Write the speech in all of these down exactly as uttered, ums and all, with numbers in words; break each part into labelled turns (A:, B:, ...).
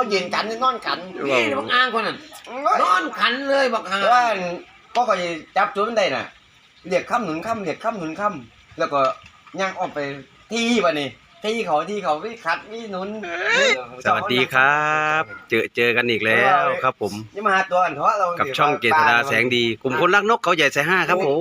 A: ยืนกันนอนกัน
B: นี่บักอ่างคนนั้นนอนขันเลยบักห่า
A: ว่าก็คอยจับจุดมันได้น่ะเรียกค่ำหนุนค่ำเรียกค่ำหนุนค่ำแล้วก็ย่างออกไปที่วันนี้ที่เขาที่เขาวิคัดวิหนุน
C: สวัสดีครับ เจอเจอกันอีกแล้วครับผม
A: นี่มาหาตัวอันเพราะเรา
C: กับช่องเกษดาแสงดีกลุ่มคนรักนกเขาใหญ่สายห้าครับผม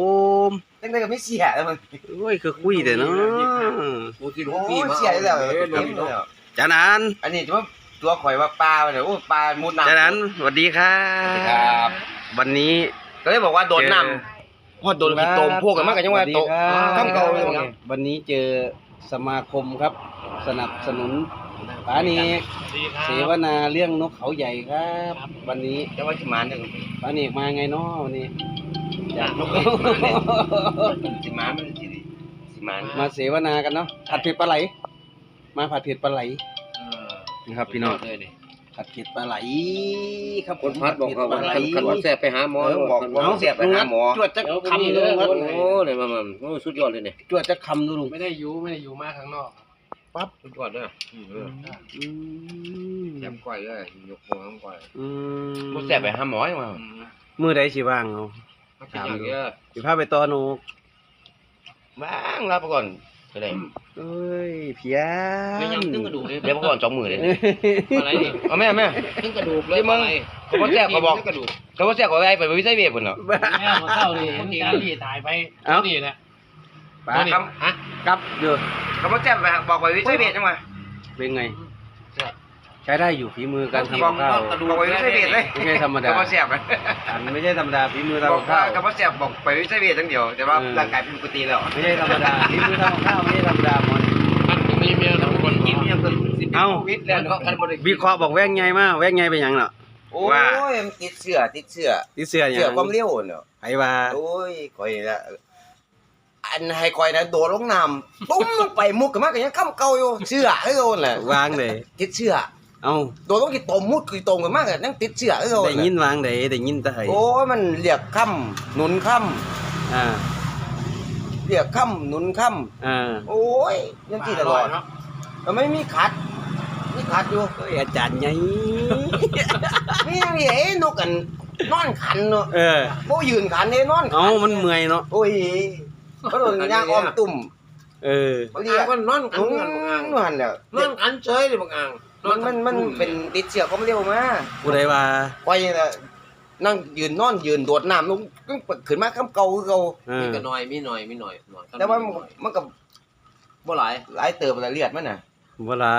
A: ตั้งแต่ก็ไม่เสียแล้วมัน
C: โอ้ยคือคุยเด้อเนาะ
B: กูที่
A: โอ้
B: พี่
A: ย
B: มา
A: เสียแล้ว
C: จานัน
A: อันนี้ตัวตัวข่อยว่าปลาเนี่ยโอ้ปลามุดน้ำ
C: จานันสวัสดีครับ
A: ครับ
C: วันนี้
A: ก็เลยบอกว่าโดนน้ำพอโดนขี้ตมพวกกันมากกันยังว่าโตข้ามเก่าเลย
C: วันนี้เจอสมาคมครับ สนับสนุนป๋าเนกเสวนาเรื่องนกเขาใหญ่ครับ วันนี้
A: จะว่าสิมานเนี่ย
C: ป๋าเนกมาไงเนาะวันนี้
A: จากนกสิมานมันสิสิมาน
C: มาเสวนากันเนาะผัดเผ็ดปลาไหล มาผัดเผ็ดปลาไหลนะครับพี่น้องผัดเผ็ดปลาไหลครับ
B: คนพัดบอกเขาว่าคันคันว่าแซ่บไปหาหมอ
A: บอกว่าเสียไปหาหมอ
C: จวดจะคำดูลุง
B: โอ้เลยมาโอ้สุดยอดเลยเนี่ย
C: จวดจะคำดูลุง
D: ไม่ได้อยู่ไม่ได้อยู่มากข้างนอก
B: ปั๊บสุดยอดเลย
C: อืม
B: แซ่บก้อยเลยยกหัวก้อย
C: อืม
A: บ่เสียไปหาหมอยังว่า
C: มือใดสิว่างเอา
B: ถามเยอะ
C: สิพาไปต่อหนู
A: บ้างรับก่อนก็ได้
C: เอ้ยเพีย
B: ไม่ยัง
C: น
B: ตึ้งกระดูกเลย
A: เดี๋ยวก่อนสองมือเลย
B: อะไรนี่
A: เอาแม่แม่
B: ตึ้งกระดูกเลยอะไร
A: เขาบ่แซ่บเขาบอก
B: กระดูก
A: เขาบ่แซ่บเขาได้ไปวิจัยเวทพุ่นเนาะ
D: แม่มาเข้าดิเห็นการรีตายไปนี่แหละ
C: ป๋า
A: ครับ
B: ฮะ
C: กลับเด้อ
A: เขาบ่แซ่บไปบอกไปวิจัยเวทจังว่า
C: เป็นไง ใช้ได้อยู่ฝีมือการ
A: บอก
C: ทำกับข้าว
A: บอกไปวิจัยเวทเลย
C: ไม่ใช่ธรรมดา
A: เขาบ่แซ่บ
C: อันไม่ใช่ธรรมดาฝีมือ
A: บอก
C: ทำกับ
A: ว่า
C: ข้าว
A: เขาบ่แซ่บบอกไปวิจัยเวทจังเดียวแต่ว่าร่างกายเป็นปกติแล้ว
C: ไม่ใช่ธรรมดาฝีมือทำกับข้าวไม่ใช่ธรรมดาหมด
D: มันมีเมียสองคน
A: กินยังเกินสิบ
C: เอ้า
A: โควิดแล้วก็กันบ่ได้
C: วิเคราะห์บอกแว่งไงมาแว่งไงเป็นหยังเนาะ
A: โอ้
C: ว่า
A: ยมันติดเสื้อติดเสื้อ
C: ที่เสื้อหยั
A: เสื้อง ความเร็วเนาะ
C: ไผว่า
A: โอ้ยข่อยละอันให้ข่อยนะโดดลงน้ำปุ้มลงไปมุกกันมาก็ยังค้ำเก่าอยู่เสื้อคือโดนแหละ
C: วางเลย
A: ติดเสื้อ
C: เอ้า
A: โดดลงกี่ตมมุดกี่ตมกันมากก็ยังติดเสื้อคือโดน
C: ได้ยินวางได้ได้ยินแต่ไห้
A: โอ้ยมันเรียกค้ำหนุนค้
C: อ่า
A: ำเรียกค้ำหนุนค้
C: อ่า
A: ำโอ้ยยังที่ตลอดมันไม่มีขัดมีขัดอยู่
C: เอ้ยอาจารย์ไง
A: มีอย่างนี้เอ้นกกันนอนขันเนาะ
C: เออ
A: โอ้ยืนขันเนี่ยนอนขั
C: เอ้ามันเมื่อยเนาะ
A: โอ้ยเขาโดนย่างอ้อมตุ่ม
C: เออ
A: เขาเรี
B: อ่าย
A: ก
B: งก็นอนขัน
A: อืม
B: กันบักอ่าง
A: นอนแล้ว
B: นอนขันเฉยเลยบักอ่าง
A: มันมันมันเป็นติดเชื้อความเร็วมา
C: ผู้ใดว่า
A: ไว้น่ะนั่งยืนนอนยืนโดดน้ำลงก็ขึ้นมาคำเก่าคือเก่า
C: เอ
B: มี
C: อ
B: ก็น้อยมีหน่อยมีหน่อยหน่อย
A: แต่ว่ามันมันก็
B: บ่หลาย
A: หลายเติบหลายเลือดมันน่ะ
C: บ่หลาย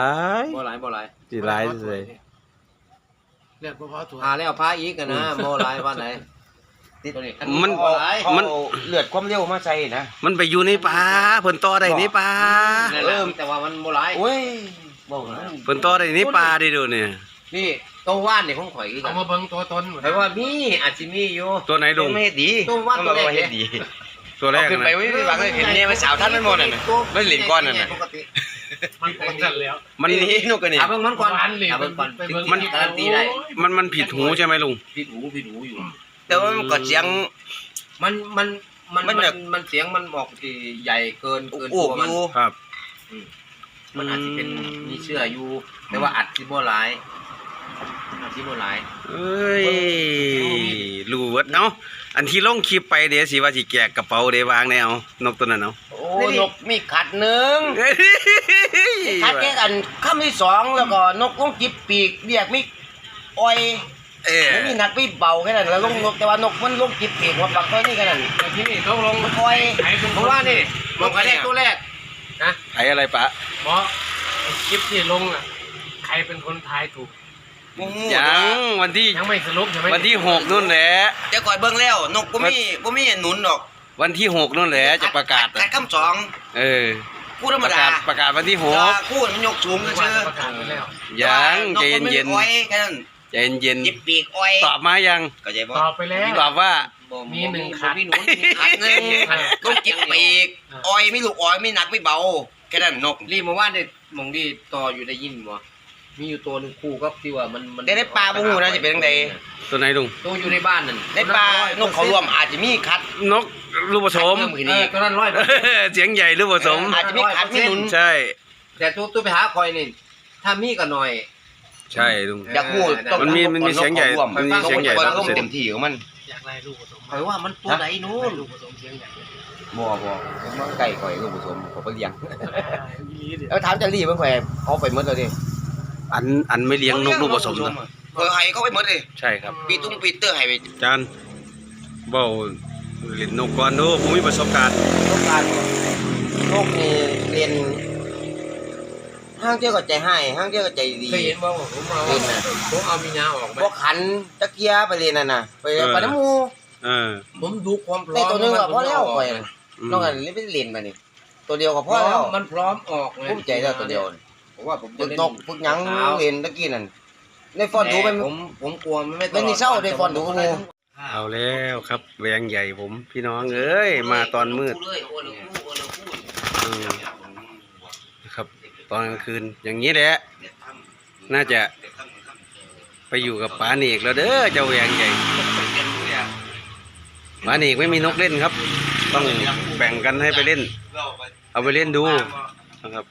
B: บ่หลายบ่หลาย
C: สิหลายเลย
D: เรียกพ่อถั่ว
B: พาแล้วพาอีกกันนะบ่หลายว่าไหน
A: ติด
B: ตัวนี้
C: มัน
B: บ่หลาย
C: มัน
A: เอาเลือดความเร็วมาใส่นะ
C: มันไปอยู่ในป่าเพิ่นต่อได้ในป่า
B: นั่นแหละแต่ว่ามันบ่หลาย
A: โอ้ยบอกนะ
C: เพิ่นต่อได้ในป่าได้ดูเนี่ย
B: นี่ตัวว่านนี่ของข่อยคือกั
D: เอา
B: น
D: มาเบิ่งตัวตน
B: แต่ว่ามีอาจสิมีอยู่
C: ตัวไหนลุง
A: ไม่เฮ็ดดี
B: ตัวว่าตัวแรก
A: เฮ็ดดี
C: ตัวแรก
A: เอาขึ้นไป
C: นะ
A: ไว้ไม่หวังเลยเห็นเนี่ยมันสาวท่านมันหมดน่ะน่ะมันเหรียญก้อนน่ะน่ะ
B: ปกติ
D: มันเป็นสั่นแล้ว
C: มัน
A: นี่นกกันนี่
B: เอาเบิ่งมันก่อน
D: มันเหรียญ
B: เอาเบิ่งก่อน
D: ไปเบิ่ง
B: มันการันตีได้
C: มันมันผิดหูใช่ไหมลุง
B: ผิดหูผิดหูอยู่
A: แต่ว่ามันก็เสียง
B: มันมันมัน
A: มั
B: มัน น
A: แบบ
B: มันเสียงมันบอกที่ใหญ่เกินเกิน
A: โอ้
B: ตัวมัน
A: อยู่
C: ครับ
B: มันอาจจะเป็นมีเชื่ออยู่ แต่ว่าอัดที่บ่หลายอัดที่บ่หลาย
C: เอ้ยรู้เบิดเนาะอันที่ลงคลิปไปเดี๋ยวสิว่าสิแจกกระเป๋าเดี๋ยววางแนวนกตัวนั้นเนาะ
A: โอ้นกมีขัดหนึ่ง
C: เฮ้ย
A: ขัดแค่กันคำที่สองแล้วก็นกลงจิบปีกเรียกมีอ้อย
C: เออ
A: ไม่มีหนักไม่เบาแค่นั้นแล้วลงนกแต่ว่านกมันลงจิบปีกหัวปักตัวนี้แค่นั้น
D: แต่ที่นี่ต้องลง
A: อ้อย
D: ไหนเป็น
B: เพราะว่านี่มันก็แรกตัวแรกนะ
C: ไผอะไรปะ
D: เพราะคลิปที่ลงอ่ะใครเป็นคนทายถูก
C: ยังวันที่
D: ยังไม่สรุปใช่ไหม
C: วันที่หกนู่นแหละ
A: เดี๋ยวก่อยเบิ่งแล้วนกบ่มีบ่มีหนุนหรอก
C: วันที่หกนู่นแหละจะประกาศ
A: ขัดคำสอง
C: เออ
A: คู่ธรร
C: ป
A: ม
C: ระ
A: ดาก
C: าศประกาศวันที่ห
A: จะ
C: ก
A: คู่มันยกสูง
D: ไม่
A: เชื่
D: ว่า
A: อ
D: ประกาศไปแล้ว
C: ยังใจเย็น
A: นกมันไม่อ้อยแค่นั้น
C: ๆใจเย็น
A: จิบปีกอ้อย
C: ๆตอบมายัง
A: ก็ใจบ่
D: ตอบไปแล้ว
C: ตอบว่า
B: บ่
D: มีหนึ่ง
B: บ่
D: ขัด
B: มีหนูมีขัดหนึ่ง
A: ลงจิบปีกอ้อยไม่ลูกอ้อยไม่หนักไม่เบาแค่นั้นนก
B: รีบมาว่าได้มองดีต่ออยู่ได้ยินบ่มีอยู่ตัวหนึงคู่ก็ที่ว่ามันมัน
A: แต่ในป่าบ่ฮู้นะสิเป็นจังได
C: ตัวไหนลุง
B: ตัวอยู่ในบ้านนั่น
A: ในป่านกเขารวมอาจจะมีคัด
C: นกลูกผสม
A: เพิ่มขึ้น
B: เอ
A: อี
B: อก ตัวนั้นร้อย
C: เสียงใหญ่ลูกผสม
A: อาจจะมีคัดมีหนุน
C: ใช่
B: แต่ตัวตัวไปหาคอยนี่ถ้ามีก็หน่อย
C: ใช่ลุง
A: อยากพูดต้อง
C: มันมีมันมีเสียงใหญ่
A: ร่วม
C: มันมีเสียงใหญ่
A: ต้อง
C: ครับ
A: เต็มที่ของมัน
D: อยากได้ลูกผสม
B: คอยว่ามันตัวไหนนู้น
D: ลูกผสมเสียงใหญ่
A: บ่บ่มันไก่ข่อยลูกผสมเขาไปเลี้ยง
D: อีลีดิ
A: แล้วถามจะรีบมันข่อยเอาไปหมดเลยดิ
C: อันอันไม่เลี้ยงนกลูกผสมนะ
A: ข่อยให้เขาไปหมดเลย
C: ใช่ครับ
A: ปีตุ้งปีเตอร์ให้ไป
C: จานเบ้าเล่นนกก่อนดูผมมีประสบการณ์
A: ต้องการนกนี่เรียนห้างเที่ยวก็ใจให้ห้างเที่ยวก็ใจดี
B: เคยเห็นว่าผมเอาผมเอามีนาออกไหม
A: บ่ขันตะเกียไปเรียนนั่นน่ะไปไปน้ำมู
C: เออ
B: ผมดูความพร้อ
A: ได้
B: ม
A: ตัวหนึงก็พอแล้วข่อย
C: อืม
A: นอกจากนี้ไปเรียนมานี่ตัวเดียวก็
B: พ
A: พ
B: ร้
A: อ
B: อ
A: แล้ว
B: มมันพร้อมออกเลย
A: ภูมิใจแล้วตัวเดียว
B: ผมว่าผม
A: ฝึกนกฝึกหยังเรียนตะกี้นั่นในฟอนดูไป
B: ผมผมกลัวมันไม่
A: ไม่มีเศร้าได้ฟอนดูงู
C: เอาแล้วครับแหวงใหญ่ผมพี่น้องเอ้ยมาตอนมืดอืมนะครับตอนกลางคืนอย่างนี้แหละน่าจะไปอยู่กับป๋าเนกแล้วเด้อเจ้าแหวงใหญ่ป๋าเนกไม่มีนกเล่นครับ ต้องแบ่งกันให้ไปเล่น เอาไปเล่นดูนะครับ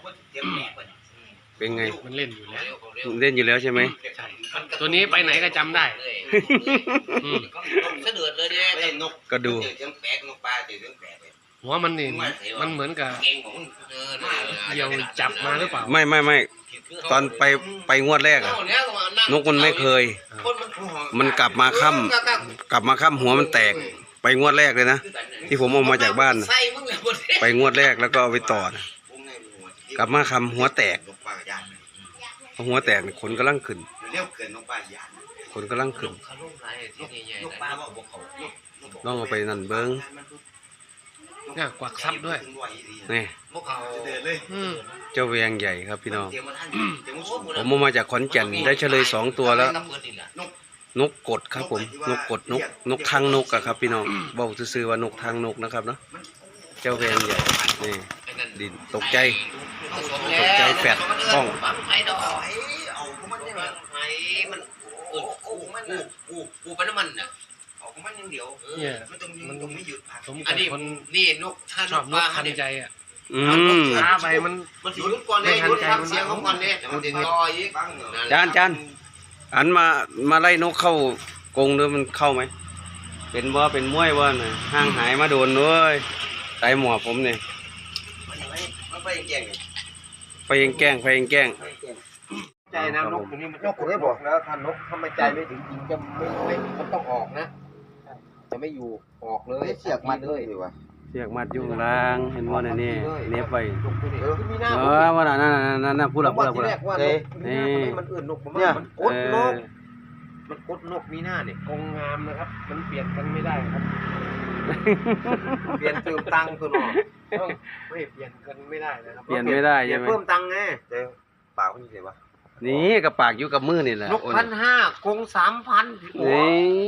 C: เป็นไง
D: มันเล่นอยู่แล้ว
C: เล่นอยู่แล้วใช่ไหม
D: ใช่ตัวนี้ไปไหนก็จำได้อืม
B: เสดือดเลยเนี่ย
A: นก
C: ก็ดู
A: เสียงแปลกนกปลาเสียงแปลก
D: หัวมันนี่มันเหมือนกับ
A: เก่งของ
D: เดี่ยวจับมาหรือเปล่า
C: ไม่ไม่ไม่ตอนไปไปงวดแรกอะนกมันไม่เคย มันกลับมาค่ำกลับมาค่ำหัวมันแตก ไปงวดแรกเลยนะที่ผมเอามาจากบ้านน่ะไปงวดแรกแล้วก็เอาไปต่อนะกลับมาค่ำหัวแตกพอหัวแตกนี่ขนกำลังขึ้น
A: เรียกเกินนกปลาหยาด
C: ขนกำลังขึ้น
A: นกปลาว่าบ่เขา
C: ลองเอาไปนั่นเบิ้ง
D: เนี่ยกวักซับด้วย
C: นี่
D: อืม
C: เจ้าแวงใหญ่ครับพี่น้องผมเอามาจากขอนแก่นได้เฉลยสองตัวแล้ว นกกดครับผมนกกดนกนกทางนกอะครับพี่น้องบอกซื่อๆว่านกทางนกนะครับเนาะเจ้าแวงใหญ่นี่ดินตกใจตกใจแฟดป้อง
A: เอามันได้มัน
B: กูมันกูกูเป็นน้ำมันน่ะ
A: เอามันอย่างเดียว
D: เนี่ย
A: มันต้องมันต้องไม่หยุดพัก
D: สม
B: อั
D: กัน บ
B: นี้
D: คน
B: นี่นกถ้า
D: ช
B: น
D: อบ
B: ก
D: น
B: ปลาก
D: ทัน
B: เนี่ย
D: ใจอ่ะ
C: อืม
D: ช้าไปมัน
B: มันสิหยุดก่อนเลยหยุดฟังเสียงของมันเนี่ยมันจะต่ออีก
C: จานจานอันมามาไล่นกเข้ากรงด้วยมันเข้าไหมเป็นบ่เป็นม้วยบ่น่ะห่างหายมาโดนด้วยไตหมวกผมเนี่ย
A: มันไปเก่ง
C: ไปยังแกล้งไปยังแกล้ง
B: ใจนะนกตัวนี้มันนกได้บอกแล้วถ้านกถ้าไม่ใจไม่ถึงจริงจะไม่ไม่มันต้องออกนะ จะไม่อยู่ออกเลย
A: เสียกมันเลยดีว่ะ
C: เสียกมัดยุ่งล่างเห็นบ่เนี่ยนี่เน็บไป
B: เออมีหน้า
C: เออว่าน่ะนั่นน่ะนั่นน่ะพูดละพูดละพูด
B: แร
C: ละ
B: กว่านกมีหน้าทำไมมันอื่นนกผมว่ามันกดนกมันกดนกมีหน้าเนี่ย
D: กงงามนะครับ มันเปลี่ยนกันไม่ได้ครับ
B: เปลี่ยนเติมตังค์ตัวหนอ
D: ต้องไม่เปลี่ยนกันไม่ได้นะครับ
C: เปลี่ยนไม่ได้ใช่ไหม
B: เพิ่มตังค์ไง
A: เดี๋ยวปากมันเสียวะ
C: นี่กับปากอยู่กับมือนี่แหละ
B: นกพันห้ากงสามพัน
C: นี่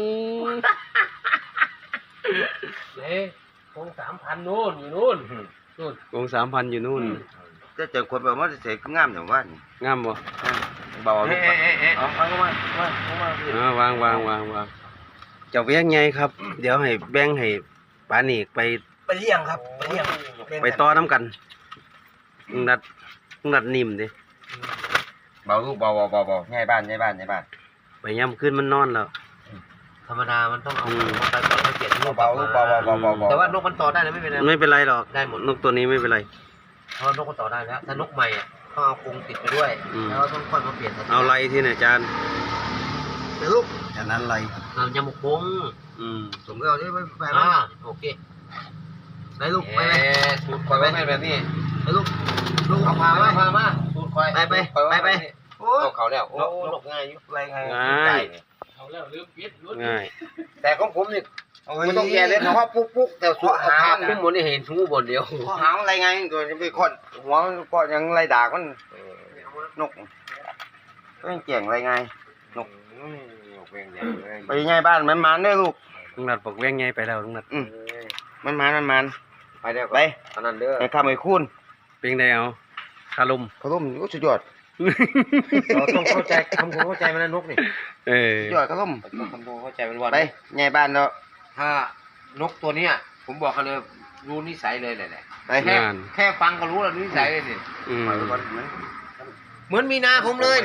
D: เฮ้ยกงสามพันนู่นอยู่นู่นนู่น
C: กงสามพันอยู่นู่น
A: จะเจอคนแบบว่าเสียงามอย่างว่าง
C: ามบ่
A: เบาลู
B: เอ๊ะ
A: ก
B: เอ๊ะเอ๊ะ
A: เอาเอาเข้ามามาเข้ามา
C: เออวางวางวางวางเจ้าแบ่งไงครับ เดี๋ยวให้แบ่งให้ปานีกไป
A: ไปเลี้ยงครับไปเลี้ยง
C: ไปต่อน้ำกันมึงนัดมึงนัดนิ่มดิ
A: เบาลูกเบาเบาเบาเบาง่ายบ้านง่ายบ้านง่ายบ้าน
C: ไปย่ำขึ้นมันนอนแล้ว
B: ธรรมดามันต้องเอาไปก่อนให้เปลี่ยนนก
A: เบาลูกเบาเบาเบาเบาเบา
B: แต่ว่านกมันต่อได้นะไม่เป็นไร
C: ไม่เป็นไรหรอก
B: ได้หมด
C: นกตัวนี้ไม่เป็นไร
B: เพราะนกมันต่อได้แล้วถ้านกใหม่อ่ะต้องเอากรงติดไปด้วย
C: อืม
B: แล้วต้องค่อยมาเปลี่ยน
C: เอาไรที่ไหนจาน
B: เดี๋ยวลูก
C: จานนั้นไร
B: เอายำหมกบง
C: อืม
A: ผมก็เอาที่ไปไป
B: อ่า
A: บ้าน
B: โอเค
A: ไปลูกไปไป
B: สูตรคอยไว้ให้แบบนี้
A: ไปลูกลูก
B: เอา
A: เอา
B: พา
A: พา
B: มา
A: ไว้
B: พามาสูตรคอย
A: ไปไปไปไปโอ้
B: นกเขาแล้วโอ้นกง่ายอยู่
A: อะไรไง
C: ง่าย
D: เอาแล้วลืมปิดรุ่น
C: ง่าย
B: แต่ของผมนี่ไม่ต้องแย่เลยเขาว่าปุ๊กปุ๊กแต่สูตรหางขึ้นบนนี่เห็นชูบนเดียว
A: ข้อหางอะไรไงตัวจะไปคนหัวก็ยังไรด่ามันนกก็ยังเก่งอะไรไง
B: นกเวียงใหญ่เลย
A: ไปง่ายบ้านมันมันได้ลูก
C: ลุงนัดบอกแว่งไงไปแล้วลุงนัด
A: อืมมันมันมันมัน
B: ไปเดี๋ยว
A: ไป
B: ตอนนั้นเด้อ
A: ไปข้ามไปคูน
C: เป็นไงเอาคารม
A: เขาล้มก็สุดยอด
B: เราต้องเข้าใจทำความเข้าใจมันนะนกนี่
C: เออ
A: สุดยอดเขาล้ม
B: ต้องทำความเข้าใจมันวัน
A: ไปง่ายบ้านแล้ว
B: ถ้านกตัวเนี้ยผมบอกกันเลยรู้นิสัยเลยแหละ
A: ไป
B: แค่แค่ฟังก็รู้แล้วนิสัยเลยนี่
C: อืม
B: เหมือนมีนาผมเลยนี่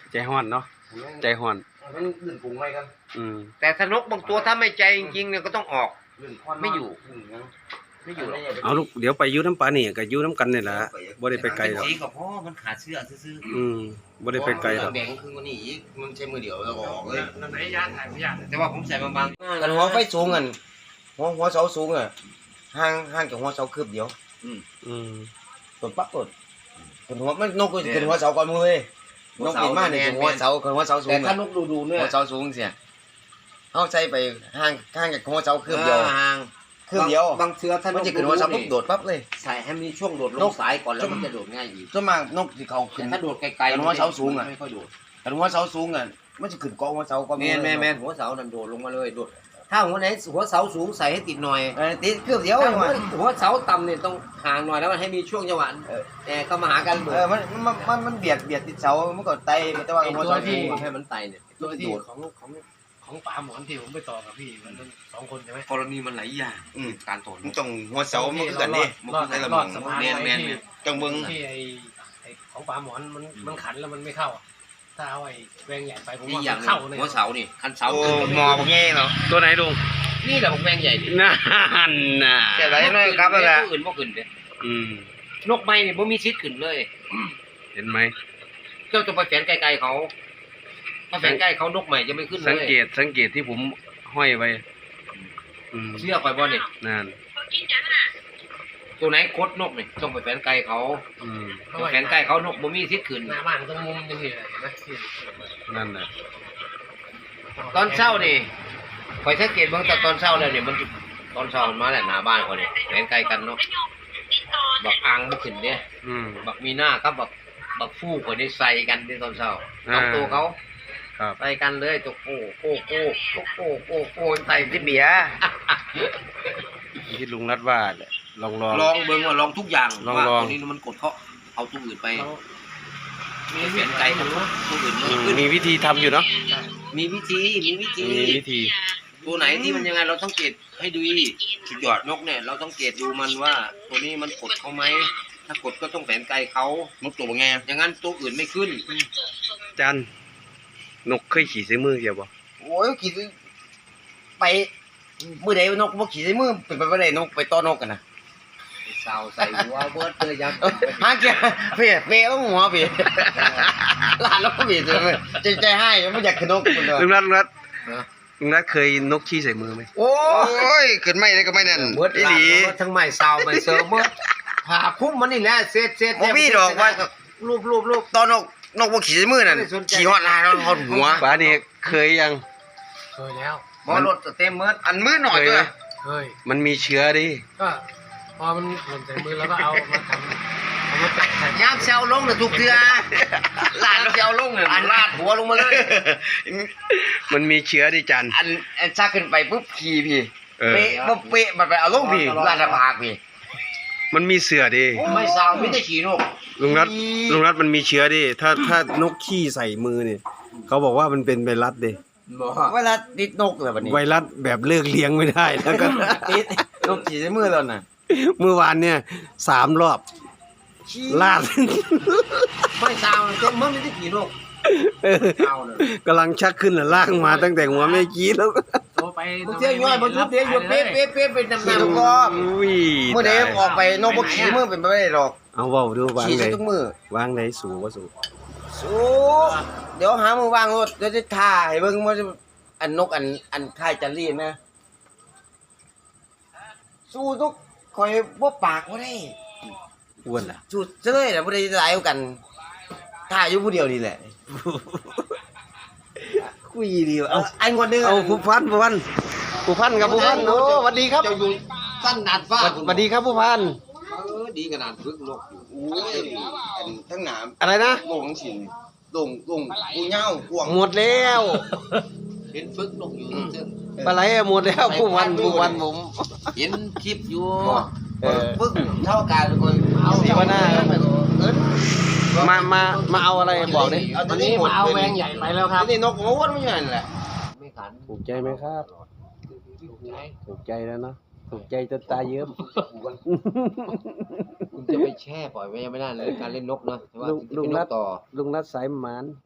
C: ใจห้อนเนาะใจห้อน
A: มันลื่นปรุงไว้กัน
C: อืม
B: แต่ถ้านกบางตัวถ้าไม่ใจจริงๆเนี่ยก็ต้องออก
A: ลื่นควัน
B: ไม่อยู่
A: ลื่นหยัง
B: ไม่อยู่หรอก
C: เอาลูกเดี๋ยวไปอยูน้ำปลานี่ก็อยูน้ำกันนี่แหละบ่ได้ไปไกลหรอก
B: สีกับพ่อมันขาดเสื้อซื่อ
C: อืมบ่ได้ไปไกลหรอก
A: แดงคือวันนี้อีกมันใช้มือเดียวแล้วก็ออกเลย
D: นั่นไหนยาถ่ายไม่ยา
B: ๆแต่ว่าผมใส่บางๆ
A: กันหัวไฟสูงกันหัวหัวเสาสูงอ่ะห่างห่างจากหัวเสาคืบเดียว
C: อืม
A: กดปั๊บกดกดหัวมันนกก็ขึ้นหัวเสาก่อนมือเลยนกบินมาเนี่ยหัวเสาขึ้นหัวเสาสู
B: แต่
A: ง
B: ถ้า
A: อ่ะ
B: นกดูดูๆเนี่ย
A: หัวเสาสูงเสียเขาใช้ไปห่างห่างจากหัวเสาคืบเดียว
B: ห่าง
A: คืบเดียว
B: บางเชื้อถ้าน
A: มัน
B: ก
A: จะขึ้นหัวเสาปุ๊บโดดปั๊บเลย
B: ใส่ให้มีช่วงโดดล
A: น
B: ง
A: ก
B: สายก่อนแล้วมันจะโดดง่ายอีก
A: ส่วนมากนกที่เขาขึ้
B: แต่
A: น
B: ถ้าโดดไกล
A: แต่หัวเสาสูงอะ
B: ไม่ค่อยโดด
A: แต่หัวเสาสูงอ่ะมันจะขึ้นเกาะหัวเสาก่อน
B: แมนแมนแมนหัวเสานั่นโดดลงมาเลยโดดถ้าหัวไหนหัวเสาสูงใส่ให้ติดหน่อย
A: เออติดคืบเดียว
B: ถ้า
A: เอง
B: หัว
A: ว่ะ
B: หัวเสาต่ำเนี่ยต้องห่างหน่อยแล้วมันให้มีช่วงจังหวะเออแอร์เข้ามาหากัน
A: เออมันมันมันมันเบียดเบียดติดเสามันก็ไตแต่ว่าหัวเสาสูง
B: ให้มันไตเนี่ย
D: ตัวที่ของของของปลาหมอนที่ผมไปต่อกับพี่มันสองคนใช่ไหม
B: กรณีมันหลายอย่าง
A: อืม
B: การถอน
A: มันต้องหัวเสามันคือกันนี่
D: รอด
A: มันคือ
D: รอด
A: ละ
D: สะ
A: มึง
D: พาน
B: แมนแมน
D: ที่
A: จังเบิ่ง
D: ที่ไอไอของปลาหมอนมันมันขันแล้วมันไม่เข้าอะถ้าเอาไอ้แวงใหญ่ไปผม
B: นี่
D: ว่า
B: อย่า
D: มั
B: ง
D: นเข้าเลย
B: หัวเสานี่คันเสา
A: โอ้
B: ขึ้น
A: หมอบ่แง่เนาะ
C: ตัวไหนลุง
B: นี่แหละผมแวงใหญ่ดิ
C: นั่นน่ะ
A: แต่ไรน้อยครับนั่นแหละ
B: ตัวอื่นบ่ขึ้นเด้
C: อืม
B: นกไม้นี่บ่มีชิดขึ้นเลย
C: เห็นไหม
B: เจ้าจะไปแฝนไกลๆเขาถ้าแฝนใกล้เขานกใหม่จะไม่ขึ้นเลย
C: สังเกตสังเกตที่ผมห้อยไว้อืม
B: เชื่อคอยบ่เนี่ย
C: นั่น
B: ตัวไหนคดนกนี่ต้องไปแฝนไกลเขา
C: อืม
B: ไปแฝนใกล้เขานกบ่มีชิดขึ้น
D: หน้าบ้านตรงมุมยังมีอะไรเห็นไหมที่
C: นั่นน่ะ
B: ตอนเช้านี่คอยสังเกตเบิ่งแต่ตอนเช้าแล้วเนี่ยมันตอนเช้ามันมาแล้วหน้าบ้านเขาเนี่ยแฝนไกลกันเนาะบักอ่างบ่ขึ้นเด้
C: อืม
B: บักมีหน้ากับบักบักฟูกคนนี้ใส่กันที่ตอนเช้า
C: อ่า
B: เอาตัวเขา
C: ครับ
B: ใส่กันเลยตัวโก้โก้โก้โก้โก้โก้โก้ใส่ที่เบียร์
C: ที่ลุงรัดว่าแหละลองลอง
B: ลองเบิ่งว่าลองทุกอย่าง
C: ลอง
B: ว่า
C: ลอง
B: ตัวนี้มันกดเขาเอาตัวอื่นไป
D: เขามี
B: เปลี่ยนใจกันตัวอื่น
C: อื
B: มัน
C: ม
B: ขึ้น
C: มีวิธีทำอยู่เนาะ
B: มีวิธีมีวิธี
C: มีวิธี
B: ตัวไหนที่มันยังไงเราต้องเกตให้ดูสุดยอดนกเนี่ยเราต้องเกตดูมันว่า ตัวนี้มันกดเขาไหมถ้ากดก็ต้องแฝงไกลเขา
A: นกตัวบ่แง่
B: อย่างนั้นตัวอื่นไม่ขึ้น
C: จันนกเคยขี่ใส่มือเกี่ยวบ่
A: โอ้ยขี่ไปมื้อใดนกบ่ขี่ใส่มือเป็นไปบ่ได้นกไปต่อนกกันน่ะ
B: เสาใส่หัวเบิร์ดเลยยัง
A: หาเกียเพ่เพ่ต้องหัวเพ่ลานนกเพ่ใจใจให้ไม่อยากขึ้นนกคนเดียว
C: ลุงรัดลุงรัดลุงรัดเคยนกขี้ใส่มือไหม
A: โอ้ยขึ้นไม่ได้ก็ไม่นั่น
B: เบิร์ด
A: อี
B: ห
A: ห
B: ลี
A: ลี
B: ทั้งไม้เสาไม้เสือเบิร์ดผ่าคุ้มมันนี่แหละเศษเศษ
A: บ่มีดอกว่า
B: รูปรูปรูป
A: ตอนนกนกบ่ขี่ใส่มือนั่น
B: ไม่ได้สนใจ
A: ขี่ฮอดลายฮอดหัว
C: ป้านี่เคยยัง
D: เคยแล้ว
B: บอรถเต็มเมิด
A: อันมือหน่อยด้วย
D: เคย
C: มันมีเชื้อดิ
D: ก็พอมันหล่นใส่มือแล้วก็เอามาทำเอามาแปะใส่
B: ยามเซลลงน่ะทุกเทื่อลาดเซลลงน่ะอันลาดหัวลงมาเลย
C: มันมีเชื้อดิจัน
A: อันอันชักขึ้นไปปุ๊บขี่พี่
C: เออ
A: เป๊ะบ่เป๊ะมันไปเอาลงพี่ลาดปากพี่
C: มันมีเสือดิ
B: ไม่เซามีแต่ขี่นก
C: ลุงรัดลุงรัดมันมีเชื้อดิถ้าถ้านกขี้ใส่มือเนี่ยเขาบอกว่ามันเป็นไวรัสดิ
B: บ่
A: เวลาติดนกเลยบัดนี้
C: ไวรัสแบบเลิกเลี้ยงไม่ได้แล้วก็
A: ติดนกขี่ใส่มือแล้วน่ะ
C: เมื่อวานเนี่ยสามรอบลาด
B: ไม่เซาเต็มเมิดมีแต่ขี่นก
C: เออ
B: เซาน่ะ
C: กำลังชักขึ้นน่ะลากมาตั้งแต่หัวแม่กี้แล้ว
D: โทรไป
B: บางเทื่อย่อยบางทุกเทื่ออยู่เป๊ะเป๊ะเป๊ะเป็นน้ำหนัก
A: ก็
C: อุ้ย
A: เมื่อใดออกไปนกบ่ขี่มือเป็นไปไม่ได้หรอก
C: เอาเว้าดูวาง
A: ขี่
C: ไหน
A: ใส่ทุกมือ
C: วางไหนสูงว่าสูง
A: สู้เดี๋ยวหามือวางรถเดี๋ยวจะถ่ายเบิ่งว่าจะอันนกอันอันถ่ายจันรีนะสู้ทุกคอยบ่ปากบ่ได้
C: อ้วนล่ะ
A: สู้เจ้ยน่ะบ่ได้หลายกว่ากันถ่ายอยู่ผู้เดียวนี่แหละคุยดีว่ะเอาไอ้คนนึง
C: เอาผู้พันผู้พันผู้พันกับผู้พันโอ้สวัสดีครับ
B: เจ้าอยู่สั้นดาดฟ้า
C: สวัสดีครับผู้พัน
B: เออดีขนาดพึกนกอยู่
A: โอ้ยอันทั้งหนาม
C: อะไรนะ
A: โด่งสินโด่งโด่งกูเหย้ากวาง
C: หมดแล้ว
B: เห็นฟึกนกอยู่ซึ่ง
C: ปลาไหลหมดแล้วผู้พันผู้พันผม
B: เห็นคลิปอยู่
C: เออ
A: ปึ๊กเท่ากันคนเอา
C: สีวนา
A: เอิ้น
C: มามามาเอาอะไรบอกดิ
A: เอา
D: ต
A: ตั
D: อ
A: วน นี้
D: นี้
A: หมด
D: มาเอาแวงใหญ่ไปแล้วครับ
A: นี่นกหัววนไม่ใช่นั่นแหละ
B: ไม่ขัน
C: ถูกใจไหมครับ ถูกใจแล้วเนาะถูกใจจนตาเยิ้ม
B: คุณจะไปแช่ปล่อยไว้ยังไม่ได้เลยการเล่นนกนะแต่ว่า
C: ลุงลุง
B: เป็นน
C: รัด
B: กต่อ
C: ลุงรัดสายหมาน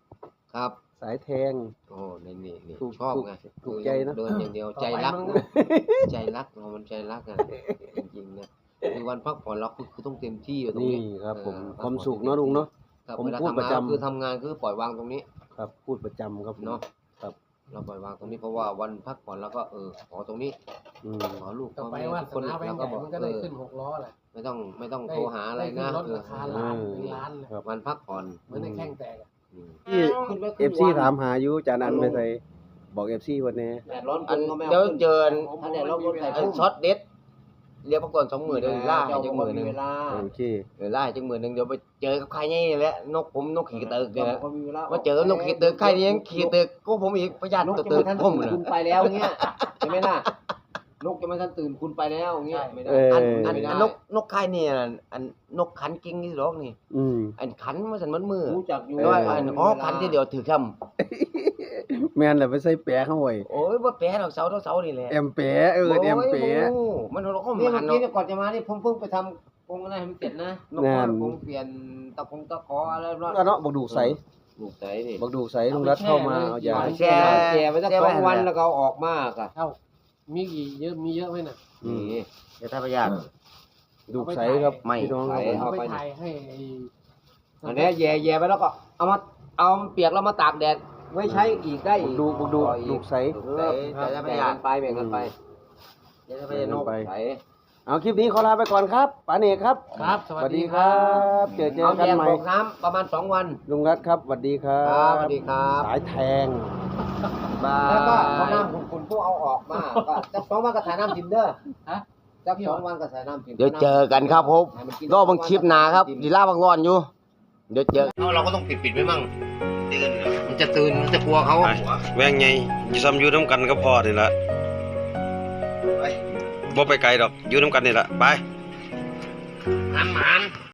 B: ครับ
C: สายแทง
B: โอ้นี่นี่นี่
C: ถูก
B: ชอบ
C: ถูก
B: ไง
C: ถูกใจเนอะ
B: เดินอย่างเดียวใจรักนะใจรักเรามันใจรักอ่ะจริงๆเนี่ยคือวันพักผ่อนเราคือคือต้องเต็มที่อยู่ตรง
C: นี่
B: นี้
C: ครับผม
B: เออ
C: ความสุขเนาะลุงเนาะ
B: ครับ
C: ผม
B: เวลา
C: พูด
B: ทำ
C: ประ
B: งาน
C: จำ
B: คือทำงานคือปล่อยวางตรงนี้
C: ครับพูดประจำครับผม
B: เนาะ
C: ครับ
B: เราปล่อยวางตรงนี้เพราะว่าวันพักผ่อนแล้วก็เออขอตรงนี้
C: อืม
B: ขอลูก
D: ต่อ
B: ขอ
D: ไป
B: แม่
D: ว่า
B: ทุก
D: ส
B: คน
D: นาแบง
B: แล้ว
D: ค์ให
B: ก็
D: ญ่
B: บอก
D: มันก็
B: เอ
D: ได้
B: อ
D: ขึ้นหกล้อแหละ
B: ไม่ต้องไม่ต้อง
D: ได้
B: โทรหาอะไรนะ
D: ได้ขึ้รถ
B: เออ
D: ราคาล้านเป็นล้านเลย
C: ครับ
B: วันพักผ่อน
D: เหมือนในแข้งแตกอะ
B: อืม
C: ที่เอฟซีถามหาอยู่จานันไปใส่บอกเอฟซีวันนี้
B: แดดร้อนอันเดี๋ยวเจอถ้าแดดร้อนคนใส่ช็อตเด็ดเรียกประกอนสองหมื่นเดี๋ยวล่าให้จังหมื่นหนึ่ง
C: โอเค
B: เดี๋ยวล่าให้จังหมื่นหนึ่งเดี๋ยวไปเจอกับใครนี่แหละนกผมนกขี่ตึกเนี่ยมาเจอนกขี่ตึกใครนี่ยังขี่ตึกก็ผมอีกประหยัดตึกตึกผมเลย
E: คุณไปแล้วเงี้ยใช่ไหมล่ะนกจะไม่ทันตื่นคุณไปแล้วเงี้ยไม่ได้
C: เออ
B: อัน
C: อั
B: อันอันนกนกใครนี่อันอันนกขันกิ้งนี่หรอกนี่
C: อืม
B: อันขันมาสันมันมือ
E: รู้จักอยู่
B: แล้วอันอ๋อขันที่เดียวถือค
C: แม่นแหละไปใส่แปะเข้าไว้
B: ำโอ้ยว่าแปะเราเสาเท่าเสานี่แหละ
C: แอมแปะเออแอมแปะ
B: โอ้ยมันเราก็
E: นี่
B: มั
E: เมื่อน กี้
B: เนาะ
E: เนี่ยก่อนจะมานี่ผมเพิ่งไปทำกรงอะไรให้มันเสร็จนะ
B: นกก็คงเปลี่ยนตะคงตะขออะไรรอด
C: ก็เนาะบักดูกใส
B: ลูกใจนี่
C: บักดูกใสลุงรัดเข้ามาเอายา
B: แช่
E: แก่ไปสักสองวันแล้วก็เอาออกมากอะ
D: เอ้ามีกี่เยอะมีเยอะไหมน่ะ
C: อืม
B: นี่จะทำประหยัด
C: ดูกใสครับ
B: ไม่
C: พี่น้อง
B: ใส
C: ครับ
D: เอาไปถ่ายให้ไอ้
E: อันนี้แย่แย่ไปแล้วก็เอามาเอาเปียกแล้วมาตากแดดไว้ใช้อีกได้
C: บั
E: อี
C: ก
E: ก
C: ดูบักดูกดูกใส
B: ลูกใจจะทำประหยัด
E: ไปแบ่งกันไป
B: จะทำประหยัดนก
C: ไป
B: ใส
C: เอาคลิปนี้ขอลาไปก่อนครับป๋าเนกครับ
D: ครับ ส
C: ส
D: วั
C: วั
D: ส
C: ส
D: ดี
C: ดี
D: ค
C: ค
D: รั
C: รับ บ เจอเจอ
E: เอา
C: กัน
E: แยก
C: ใหม่
E: บอกน้ำประมาณสองวัน
C: ลุงรัดครับสวัสดีครั
E: ครับ
C: บ
E: สวัสดีครับ
C: สายแทง
B: บา
E: แล้วก็พอน้ำ
B: ย
E: คุณคุณพวกเอาออกมาก็จักสองวันก็ถ่ายน้ำทิมเด้อฮะจักสองวันก็ถ่ายน้ำทิม
B: เดี๋ยวเจอกันครับผมรอบังคลิปหนาครับดีล่าบางร้อนอยู่ เดี๋ยวเจอเราก็ต้องปิดปิดไว้มั่งมันจะตื่นมันจะกลัวเขา
C: แวงไงอยู่ซ้ำอยู่น้ำกันก็พอนี่ละบ่ไปไกลดอกอยู่น้ำกันนี่ละไป
B: หันหัน